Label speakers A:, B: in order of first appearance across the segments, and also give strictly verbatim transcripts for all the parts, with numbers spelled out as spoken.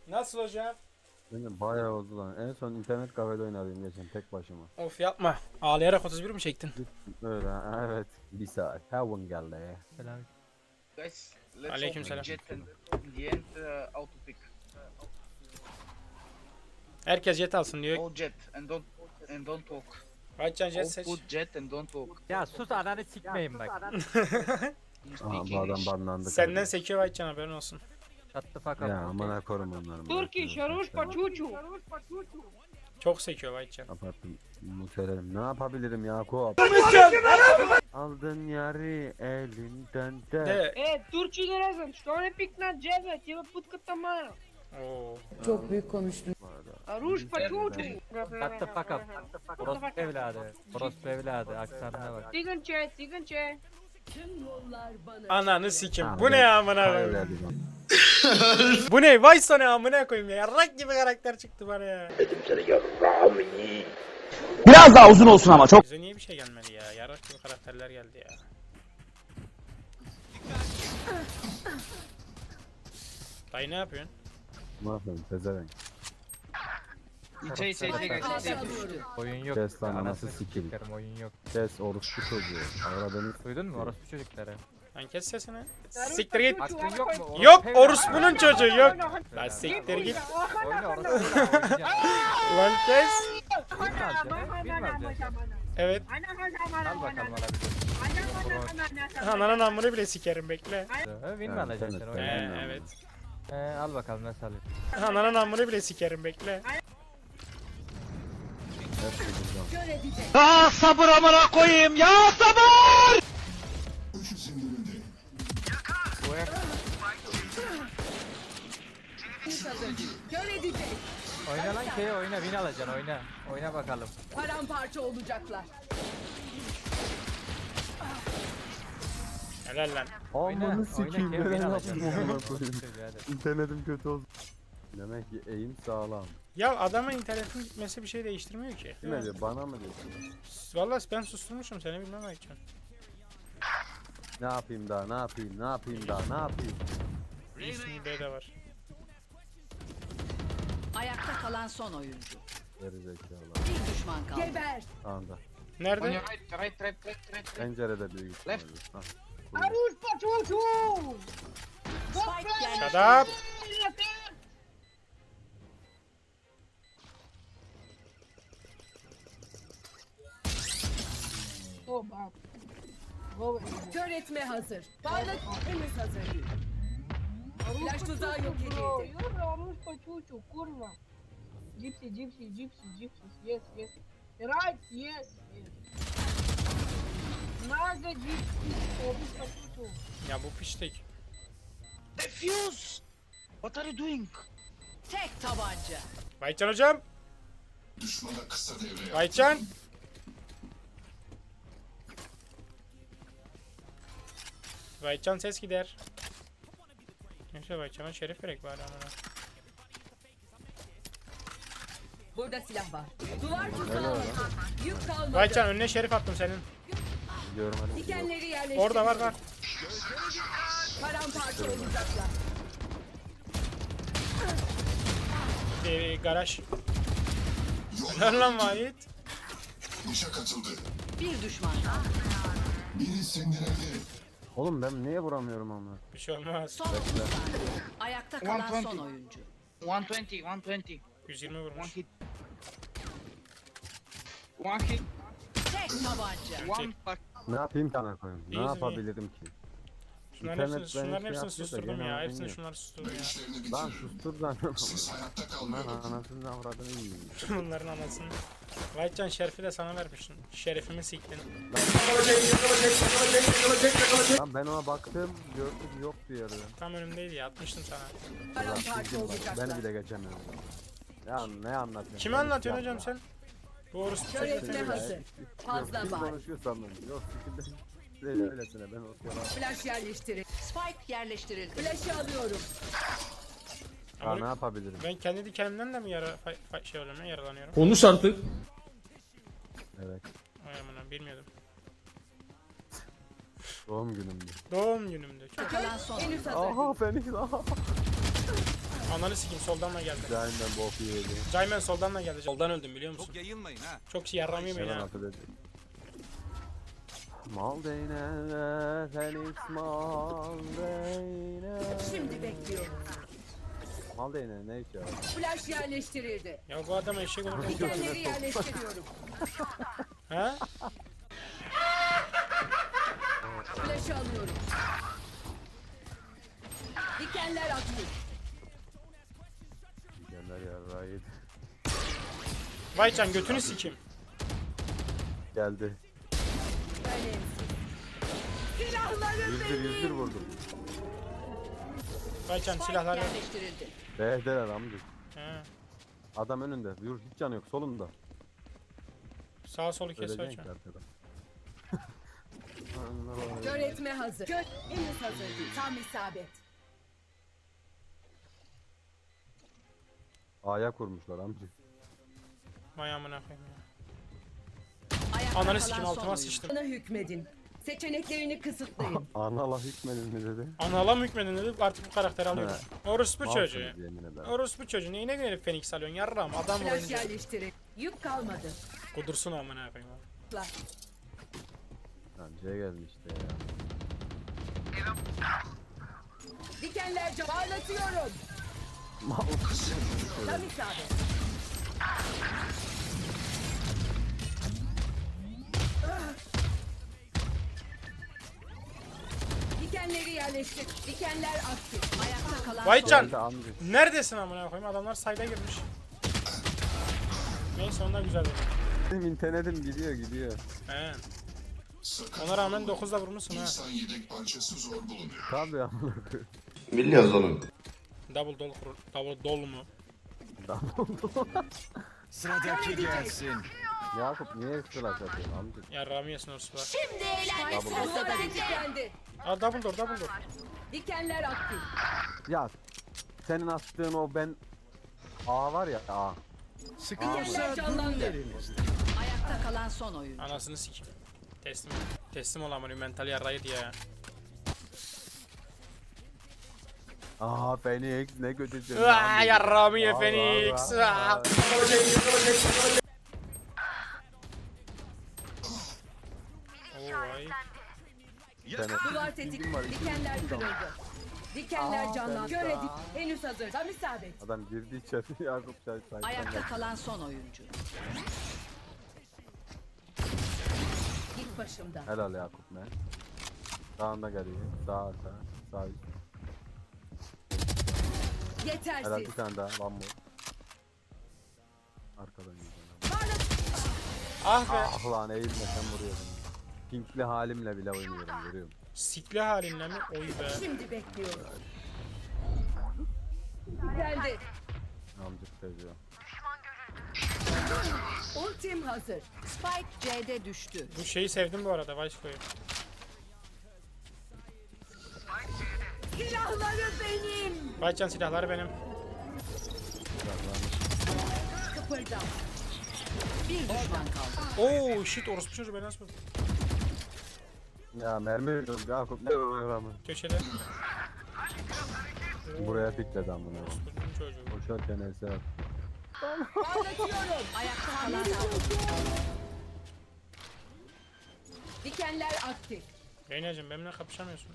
A: Nasıl hocam?
B: Benim bayağı oldu lan. En son internet kafede oynadım geçen tek başıma.
A: Of yapma. Ağlayarak otuz bir mi çektin?
B: Öyle ha, evet. Bir saat. Heaven geldi ya.
C: Selam.
D: Guys, let's
A: Aleyküm
D: open
A: selam.
D: jet and in the end uh, auto pick.
A: Herkes jet alsın diyor.
D: All jet and don't and don't talk.
A: Kaçcan jet
D: All
A: seç.
D: put jet and don't talk.
C: Ya sus ananı sikmeyin bak.
D: You
B: Aha
D: speak
B: bu adam
D: English.
B: banlandı.
A: Senden
B: kardeşim.
A: sekiyor Vahitcan, haberin olsun.
C: Shut the fuck up.
B: Ya amına korum onları.
E: Turkish, Rush Pachuchu.
A: Çok sekiyor Vahitcan.
B: Kapattım. Muterim. Ne yapabilirim Yakup? Aldın yarı elinden de.
A: De.
E: Э, Турчи не разом, что он пик на джега, типа путка тамара.
A: Oo.
F: Çok büyük konuştun.
B: Bu arada.
E: Руш Пачучу.
C: Shut the fuck up. Orospu evladı. Orospu evladı. Aksanına bak.
E: Тиган чай, тиган чай.
A: Ananı sikim.
B: Ha,
A: Bu ne
B: ben-
A: ya amına
B: Hayır
A: koyayım?
B: dedim lan.
A: Bu ne? Vay sana amına koyayım ya. Yarrak gibi karakter çıktı bana ya.
G: Biraz daha uzun olsun ama çok.
A: Bize niye bir şey gelmedi ya? Yarrak gibi karakterler geldi ya. Dayı ne yapıyorsun?
B: Ne yapayım pezevenk.
D: Say say say guys. Say.
C: Oyun yok.
B: Kes lan,
C: Anasını
B: anası sikeyim.
C: sikerim, oyun yok.
B: Kes orospu çocuğu. Avradını
C: Duydun mu orospu çocukları?
A: Lan kes sesini. Siktir git.
C: Aklın yok mu?
A: Yok
C: Orospu
A: orospunun çocuğu yok.
C: evladı.
A: Lan siktir git.
C: Oyna orospu oynayacaksın.
A: Lan kes.
C: Bin mi alacaksın? Bin mi alacaksın?
A: Evet.
C: Al bakalım alabileceksin.
A: Ananın amını bile sikerim bekle.
C: Ha, Win mi
B: Ha,
C: alacaksın
B: evet,
C: sen
B: evet.
A: Ee,
C: oyna?
A: evet.
C: Ee, al bakalım nasıl alıyorsun.
A: Ananın amını bile sikerim bekle.
B: hepsi buradan.
G: Ah sabır amına koyayım ya sabır.
C: Oyna lan K oyna, win alacaksın, oyna. Oyna bakalım.
F: Paramparça olacaklar.
A: Helal lan.
C: Oyna,
B: Amanı
C: oyna
B: sikeyim.
C: K
B: Ben
C: win
B: yaptım
C: alacaksın.
B: amına koyayım.
C: Hadi.
B: İnternetim kötü oldu. Demek ki eğim sağlam.
A: Ya adamın internetin gitmesi bir şey değiştirmiyor ki.
B: Kime diyor? Bana mı diyorsun?
A: Vallahi ben susturmuşum seni, bilmem belki.
B: Ne yapayım daha? Ne yapayım? Ne yapayım daha? Ne yapayım?
A: İsmi B de var.
F: Ayakta kalan son oyuncu.
B: Geri zekalı.
F: Bir düşman kaldı. Geber.
B: Anda.
D: On
A: Nerede?
D: your right, right, right, right, right.
B: Pencerede büyük ihtimalle.
D: Left.
B: Ha.
E: Руш Пачучу.
F: Spike
A: Shut
F: yerleştirildi.
A: up.
E: Oba. Go.
F: Kör etme hazır. Parlak henüz hazır değil. Flash tuzağı yok edildi.
E: Руш Пачучу, курва. Gypsy, gypsy, gypsy, gypsy. Yes, yes. Right, yes, yes. Naga gypsy. Rush Пачучу.
A: Ya bu piştik.
D: Defuse. What are you doing?
F: Tek tabanca.
A: Vahitcan hocam. Vahitcan. Vahitcan ses gider. Neyse Vahitcan'a şeref verek bari amına.
F: Burada silah var. Duvar tuzağı. Yük kalmadı.
A: Vahitcan önüne şerif attım senin.
B: Gidiyorum hadi.
F: Dikenleri yerleştirildi.
A: Orada var var.
F: Paramparça olacaklar.
A: Ee, garaj. Helal lan Vahit.
F: Bir düşman kaldı.
B: Oğlum ben niye vuramıyorum ama?
A: Bir şey olmaz.
F: Son otuz saniye. Ayakta kalan
D: one twenty.
F: son oyuncu.
D: one twenty, one twenty.
A: yüz yirmi
D: One
A: vurmuş.
D: hit. One hit.
F: Tek tabanca.
D: One fuck.
B: Ne yapayım ki ana koyayım? Ne
A: İyiyiz,
B: yapabilirim ki?
A: Şunların
B: İnternet
A: hepsini,
B: beni
A: şunların
B: şey
A: hepsini
B: yaptı da
A: susturdum
B: gene
A: ya. Hepsini
B: bilmiyorum.
A: şunları susturdum ya.
B: Lan sustur lan. Lan anasını avradını yiyeyim.
A: Bunların anasını. Vahitcan şerifi de sana vermiştim. Şerefimi siktin.
B: Lan ben ona baktım gördüm yok bir yerde.
A: Tam önümdeydi ya, atmıştım sana.
F: Paramparça olacaklar.
B: Beni bile geçemiyorum. Ya ne anlatıyorsun?
A: Kime anlatıyorsun hocam sen? Bu orospu
F: Kör
A: çocuğu.
F: etme hazır. Fazla
B: Kim
F: var.
B: konuşuyor sandım. Yok sikimden. Öyle öylesine ben oturuyorum.
F: Flash yerleştirin. Spike yerleştirildi. Flash'ı alıyorum.
B: Ya ne yapabilirim?
A: Ben kendi dikenimden de mi yara fa- fa- şey oluyorum ya, yaralanıyorum?
G: Konuş artık.
B: Evet.
A: Ay aman, bilmiyordum.
B: Doğum günümdü.
A: Doğum günümdü.
F: Kalan son oyuncu.
B: Aha Fenix aha.
A: Ananı sikeyim soldan da geldi.
B: Cahinden bok yedi.
A: Cayman soldan da geldi. Soldan öldüm biliyor musun?
G: Çok yayılmayın ha.
A: Çok şey yarram yemeyin
B: Hemen
A: ha.
B: affedecek. Mal değne Felix mal değne.
F: Şimdi bekliyorum.
B: Mal değne ne iş ya?
F: Flash yerleştirildi.
A: Ya bu adam eşek olur.
F: Dikenleri yerleştiriyorum.
A: Ha?
F: Flash'ı alıyorum. Dikenler aktif.
B: Dikenler yarrağı yedi.
A: Vaycan götünü sikeyim.
B: Geldi.
F: Önemsiz. Silahlarım
B: yüz bir yüz bir
F: benim.
B: vurdum.
A: Vaycan
F: Spike
A: silahlar ver.
F: yerleştirildi.
B: Behdeler amcık.
A: He.
B: Adam önünde. Yürü hiç canı yok solunda.
A: Sağ solu kes
B: Öleceksin
A: Vaycan.
B: ki arkada.
F: Kör etme hazır. Kör henüz hazır değil. Tam isabet.
B: A'ya kurmuşlar amcık.
A: Vay amına koyayım ya.
F: Ayakta
A: Ananı
F: kalan
A: sikeyim,
F: son
A: altıma
F: oyuncu.
A: sıçtım.
F: Bana hükmedin. Seçeneklerini kısıtlayın.
B: Anala hükmedin mi dedi.
A: Analam hükmedin dedi artık bu karakteri alıyorlar. Orospu çocuğu.
B: Malsınız yemin ederim.
A: Orospu çocuğu neyine gelip Phoenix alıyorsun yarram adam
F: Flash
A: vurunca.
F: yerleştirin. Yük kalmadı.
A: Kudursun amına koyayım.
F: La.
B: Lan C gelmişti ya.
F: Dikenler can. Parlatıyorum.
B: Mal.
F: Tam isabet. Dikenleri yerleştir. Dikenler aktif. Ayakta kalan
A: Vaycan
B: Geldi amcık.
A: neredesin amına koyayım adamlar sayda girmiş. Neyse onlar güzel dedi.
B: Benim internetim gidiyor gidiyor.
A: He. Ona rağmen dokuzda vurmuşsun ha.
H: İnsan yedek parçası zor bulunuyor.
B: Tabii amına koyayım.
H: Biliyoruz oğlum.
A: Double dol kur, double dol mu?
G: Sıradaki gelsin.
B: Yakup niye flash atıyorsun amcık?
A: Yarramı yesin orospular.
F: Şimdi eğlenme sırası bende.
A: Aa double door double door.
F: Dikenler aktif.
B: Ya senin attığın o ben A var ya A.
F: Dikenler canlandı.
I: Ayakta kalan son oyun.
A: Anasını sikeyim. Teslim. Teslim ol amına mental yarrayı diye ya.
B: Aa Phoenix ne kötüsün.
A: Aa yarramı ye
B: Vay,
A: Phoenix.
B: vay, vay.
A: Aa. Oo vay.
F: Duvar tetik. Dikenler kırıldı. Dikenler canlandı. Göre dik. Henüz hazır. Tam isabet.
B: Adam girdi içeri Yakup çay çay.
I: Ayakta kalan son oyuncu.
F: Git başımdan.
B: Helal Yakup ne? Sağında geliyor. Sağ sağ. Sağ üst. Helal
F: Yetersiz.
B: bir tane daha. Lan bu. Arkadan yiyeceğim.
A: Ah be.
B: Ah lan eğilmesen vuruyorum. Pinkli halimle bile oynuyorum görüyorum.
A: Sikli halinle mi? Oy be.
F: Şimdi bekliyorum. Geldi.
B: Amcık seviyor.
F: Ultim hazır.
I: Spike C'de düştü.
A: Bu şeyi sevdim bu arada Vice'koyu.
F: Silahları benim.
A: Vaycan silahları benim.
F: Kıpırdam.
I: Bir düşman kaldı.
A: Oo shit orospu çocuğu beni nasıl vurdu?
B: Ya mermi veriyorum Yakup ne oluyor ama.
A: Köşede.
B: Buraya pikledi amına.
A: Orospu'nun çocuğu.
B: Koşarken ese at.
F: Parlatıyorum.
I: Ayakta kalan son oyuncu.
F: Dikenler aktif.
A: Reyna'cım benimle kapışamıyorsun.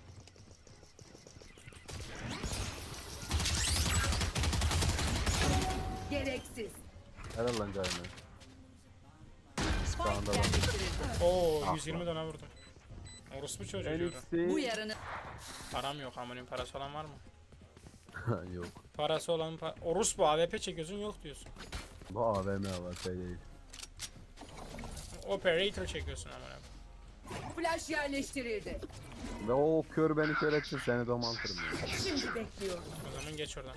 F: Gereksiz.
B: Helal lan cahine.
I: Spike
B: Sağında var.
I: yerleştirildi.
A: Oo
B: Ah
A: yüz yirmi dona vurdum. Orospu çocuğu diyorum.
I: Bu
B: Phoenix'i.
I: yarını
A: Param yok amının parası olan var mı?
B: Yok.
A: Parası olan pa Orospu A W P çekiyorsun yok diyorsun.
B: Bu A V M var şey değil.
A: Operator çekiyorsun amına.
F: Flash yerleştirildi.
B: Ve o kör beni kör etsin seni domantırım ya.
F: Şimdi bekliyorum.
A: O zaman geç oradan.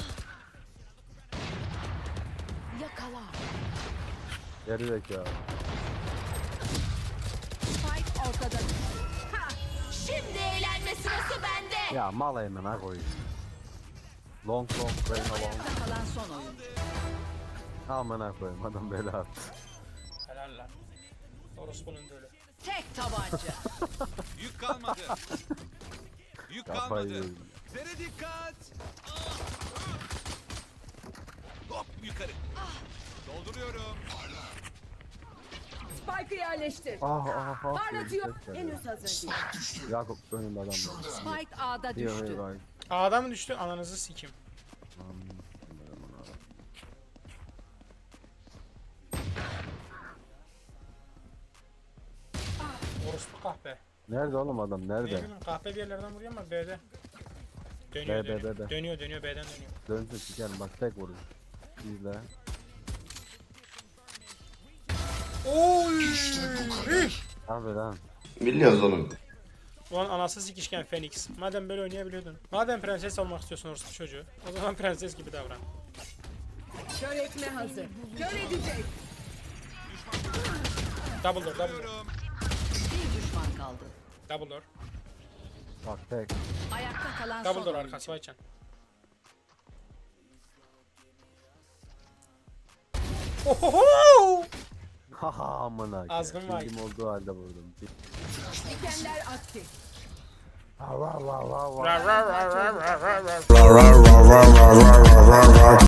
I: yakala.
B: Geri zekalı.
I: Spike ortada.
F: Şimdi eğlenme sırası bende.
B: Ya mal hemen ha koyayım. Long long brain long.
I: Ayakta kalan son oyuncu.
B: Amına koyayım adam bela attı.
A: Helal lan. Orospu'nun dölü.
I: Tek tabanca.
G: Yük kalmadı. Yük
B: Kafayı
G: kalmadı.
B: yedim.
G: Zere dikkat.
F: Spike'ı yerleştir.
B: Ah ah ah.
F: Parlatıyor.
B: Ses geldi.
F: Henüz hazır değil.
B: Yakup önünde adam var.
I: Spike A'da
B: Yok
I: düştü.
B: yok hayır.
A: A'da mı düştü? Ananızı sikim. Orospu kahpe.
B: Nerede oğlum adam
A: Ne
B: nerede?
A: bileyim kahpe bir yerlerden vuruyor ama B'de. Dönüyor
B: B, B,
A: dönüyor.
B: B, B.
A: Dönüyor dönüyor B'den dönüyor.
B: Dönsün sikerim bak tek vurdu. İzle.
A: Oy!
B: Abi lan.
H: Biliyoruz oğlum.
A: Ulan anası sikişken Phoenix. Madem böyle oynayabiliyordun. Madem prenses olmak istiyorsun orospu çocuğu. O zaman prenses gibi davran.
F: Kör etme hazır. Kör edecek.
A: Double door, double door.
I: Bir düşman kaldı.
A: Double door.
B: Bak tek.
I: Ayakta kalan
A: Double
I: son
A: door
I: oyuncu.
A: arkası Vaycan. Ohoho!
B: Haha amına.
A: Azgın vay.
B: Bildiğim olduğu halde vurdum.
F: Dikenler aktif.
B: Ha va va va va.
A: Ra ra ra ra ra ra ra.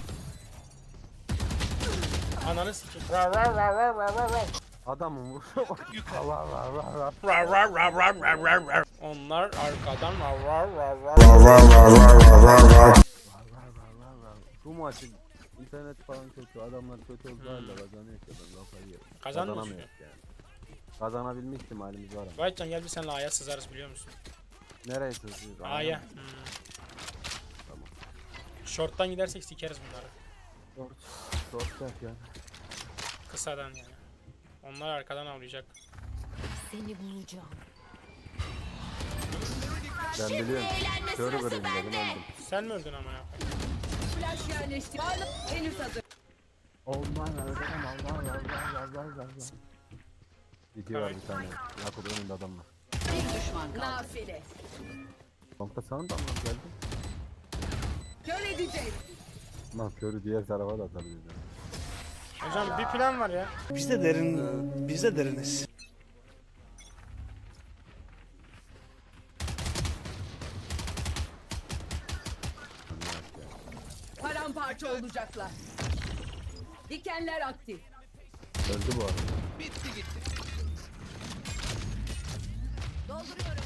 A: Ananı sikeyim. Ra ra ra ra ra ra ra.
B: Adamın vuruşu bak. Ha va va va va.
A: Ra ra ra ra ra ra ra. Onlar arkadan ra ra ra ra.
B: Şu maçı internet falan kötü, adamlar kötü olduğu halde kazanıyor ki ben lafayı yerim.
A: Kazanmıyor
B: Kazanamıyoruz yani. Kazanabilme ihtimalimiz var ama.
A: Vaycan gel bir seninle A'ya sızarız biliyor musun?
B: Nereye sızıyoruz?
A: A'ya. Hmm.
B: Tamam.
A: Short'tan gidersek sikeriz bunları.
B: Dört. Dört dört yani.
A: Kısadan yani. Onlar arkadan avlayacak.
I: Seni bulacağım.
B: Ben biliyorum. Körü göreyim dedim öldüm.
A: Sen mi öldün ama ya?
F: Flash yerleştir. Parla. Henüz hazır.
B: Olmaz öldüm Allah Allah Allah Allah Allah. İki var bir tane. Yakup önünde adam var.
I: Bir düşman kaldı.
F: Nafile.
B: Long'da sana da mı geldi?
F: Kör edecek.
B: Lan körü diğer tarafa da atabiliriz.
A: Hocam bir plan var ya.
G: Biz de derin, biz de deriniz.
F: Paramparça olacaklar. Dikenler aktif.
B: Öldü bu arada.
I: Dolduruyorum.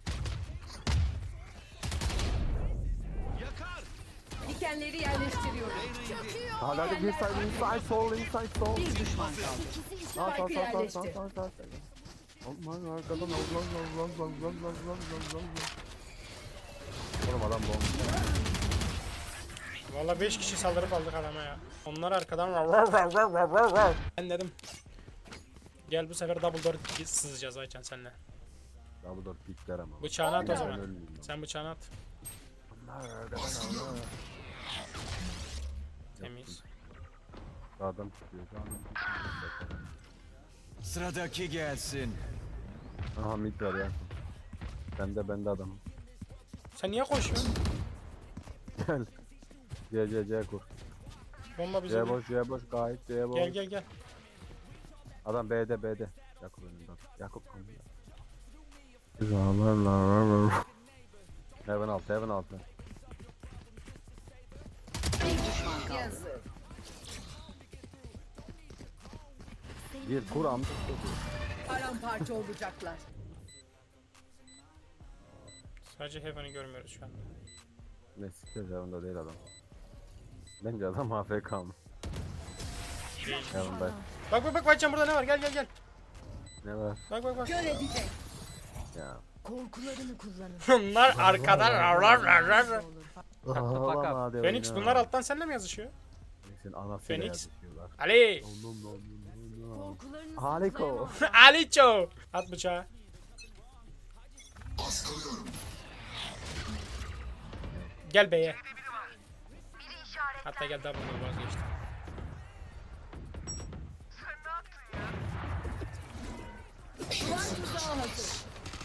F: Dikenleri yerleştiriyorum.
B: Hala da bir side inside sol inside sol.
I: Bir düşman kaldı.
B: Sağ sağ
F: Spike'ı
B: sağ sağ
F: yerleştir.
B: sağ sağ sağ. Aman arkadan Allah Allah Allah Allah Allah Allah Allah. Oğlum adam bomba.
A: Valla beş kişi saldırıp aldık adama ya. Onlar arkadan ra ra ra ra ra ra ra. Ben dedim. Gel bu sefer double door sızacağız Aycan senle.
B: Double door pikler ama.
A: Bıçağını at o
B: Ben
A: zaman.
B: ölmeyeyim lan.
A: Sen bıçağını at.
B: Onlar arkadan Allah.
A: Temiz.
B: Sağdan çıkıyor. Sağdan çıkıyor.
G: Sıradaki gelsin.
B: Aha mid var ya. Bende bende adam.
A: Sen niye koşuyorsun?
B: Gel. C C C kur.
A: Bomba bize.
B: C
A: değil.
B: boş C boş gayet C boş.
A: Gel gel gel.
B: Adam B'de B'de. Yakup önünde. Yakup önünde. Heaven altı Heaven altı.
I: Bir düşman kaldı.
F: Yazık.
B: Bir kur amca.
F: Paramparça olacaklar.
A: Sadece Heaven'ı görmüyoruz şu anda.
B: Ne siktir Heaven'da değil adam. Bence adam A F K mı? Heaven'da.
A: Bak bak bak Aycan burada ne var? Gel gel gel.
B: Ne var?
A: Bak bak bak.
F: Kör edecek.
B: Ya.
I: Korkularını kullanın.
A: Bunlar arkadan ra ra ra ra ra.
C: fuck up.
B: Hadi
A: Phoenix
B: oyna.
A: bunlar alttan seninle mi yazışıyor?
B: Phoenix'in anasıyla
A: Phoenix.
B: yazışıyorlar.
A: Ali.
B: No, no, no, no, no.
I: Korkularını
B: Hariko.
A: Aliço. At bıçağı. Gel B'ye. Hatta gel double door vazgeçtim.
F: Duvar tuzağı hazır.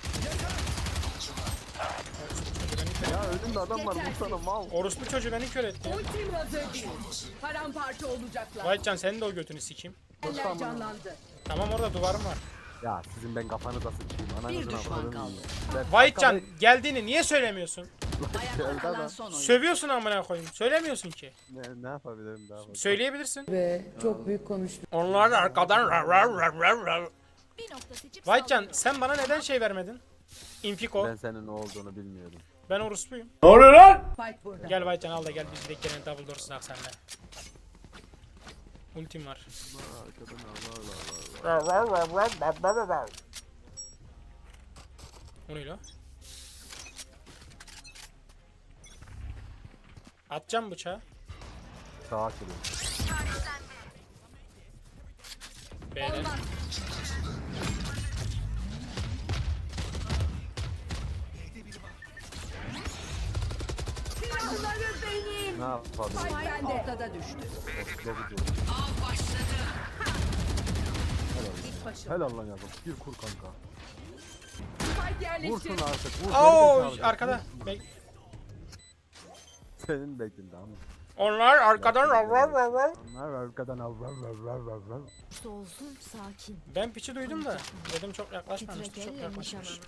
B: Ya önümde adam var vursana mal.
A: Orospu çocuğu beni kör etti.
F: Ultim hazır değil. Paramparça olacaklar.
A: Vaycan senin de o götünü sikeyim.
F: Dikenler canlandı.
A: Tamam orada duvarım var.
B: Ya sizin ben kafanıza sıçayım.
I: Bir
B: Ananızın
I: düşman
B: avradını
I: kaldı.
B: yiyeyim. Ben-
A: Vahitcan geldiğini niye söylemiyorsun?
I: Ayakta kalan son oyun.
A: Sövüyorsun amına koyayım. Söylemiyorsun ki.
B: Ne, ne yapabilirim daha fazla?
A: Söyleyebilirsin.
F: Be çok büyük konuştun.
A: Onlar da arkadan rav rav rav rav rav.
I: Bir nokta seçip
A: Vahitcan sen bana neden şey vermedin? Infiko.
B: Ben senin ne olduğunu bilmiyordum.
A: Ben orospuyum.
F: Spike burada.
A: Gel Vahitcan al da gel biz de gene double door sınak seninle. Ultim var.
B: Arkadan Allah Allah Allah.
A: O ne lan? Atacağım bıçağı.
B: Sağa açılıyor.
A: B'de.
B: Ne yapabilirim?
F: Spike ortada düştü. İlk başım.
B: Helal lan yazım. Bir kur kanka.
F: Spike yerleşti.
B: Vursun artık. Vur.
A: Oo
B: gerizekalı.
A: arkada. Bek-
B: Senin bektin tamam mı?
A: Onlar arkadan rav rav rav rav.
B: Onlar arkadan al al al al al al.
I: olsun sakin.
A: Ben piçi duydum da dedim çok yaklaşmamıştı, çok
I: Titrek elle
A: yaklaşmış.
I: nişanım.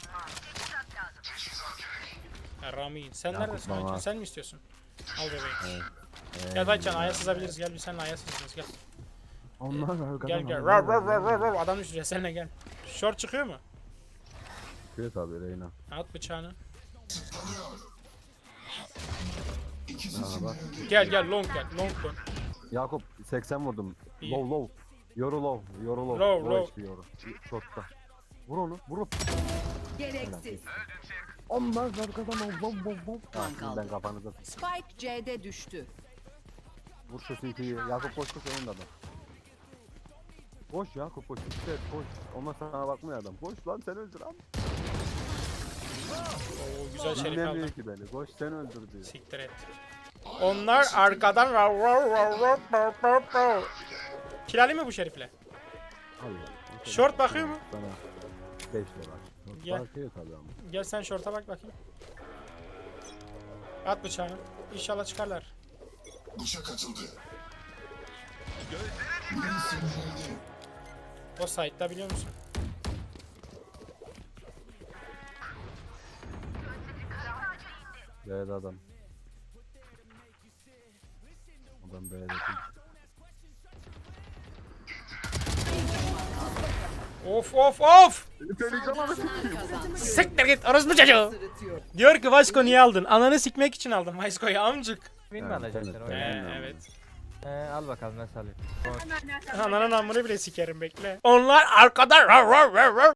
A: Ya Rami sen
B: Ya
A: neredesin
B: kutlama.
A: Vahitcan? Sen mi istiyorsun? Al bebeği.
B: Evet.
A: Gel Vahitcan aya sızabiliriz, gel bir seninle aya sızacağız gel.
B: Onlar arkadan
A: Gel gel
B: al,
A: rav
B: al,
A: rav rav
B: al,
A: rav
B: al.
A: rav adam düşürüyor seninle gel. Short çıkıyor mu?
B: Çıkıyor tabii Reyna.
A: At bıçağını.
B: Ha bak.
A: Gel gel long gel long dön.
B: Yakup seksen vurdum.
A: İyi.
B: Low low. Yoru low. Yoru low.
A: Low, low.
B: H P yoru. Shot'ta. Vur onu. Vur onu.
F: Gereksiz.
B: Onlar arkadan al. Bom bom bom. Ha,
I: Kan
B: şimdi
I: kaldı.
B: ben kafanıza.
F: Spike C'de düştü.
B: Vur şu C T'yi. Yakup koş koş önünde adam. Koş Yakup koş. İşte koş. Onlar sana bakmıyor adam. Koş lan sen öldür lan.
A: Oo güzel şerif
B: Dinlemiyor
A: aldım.
B: ki beni. Koş sen öldür diyor.
A: Siktir et. Onlar arkadan rav rav rav rav rav rav rav. Kirali mi bu şerifle?
B: Al ya.
A: Short bakıyor mu?
B: Sana beş lira. Short
A: Gel.
B: bakıyor tabii ama.
A: Gel sen short'a bak bakayım. At bıçağını. İnşallah çıkarlar.
H: Bıçak atıldı.
A: O site'da biliyor musun?
B: B'de adam. Adam B'de.
A: Of of of!
I: Kazandı.
A: Siktir git orospu çocuğu!
F: Sırıtıyor.
A: Diyor ki Vasko niye aldın? Ananı sikmek için aldım Vasko'yu amcık.
C: Win mi
B: Evet,
C: alacaksın
B: evet,
C: sen
A: Ee,
C: oyunu?
B: Aynen.
A: evet.
C: Ee, al bakalım nasıl alayım.
A: Ananın amını bile sikerim bekle. Onlar arkadan rav rav rav rav.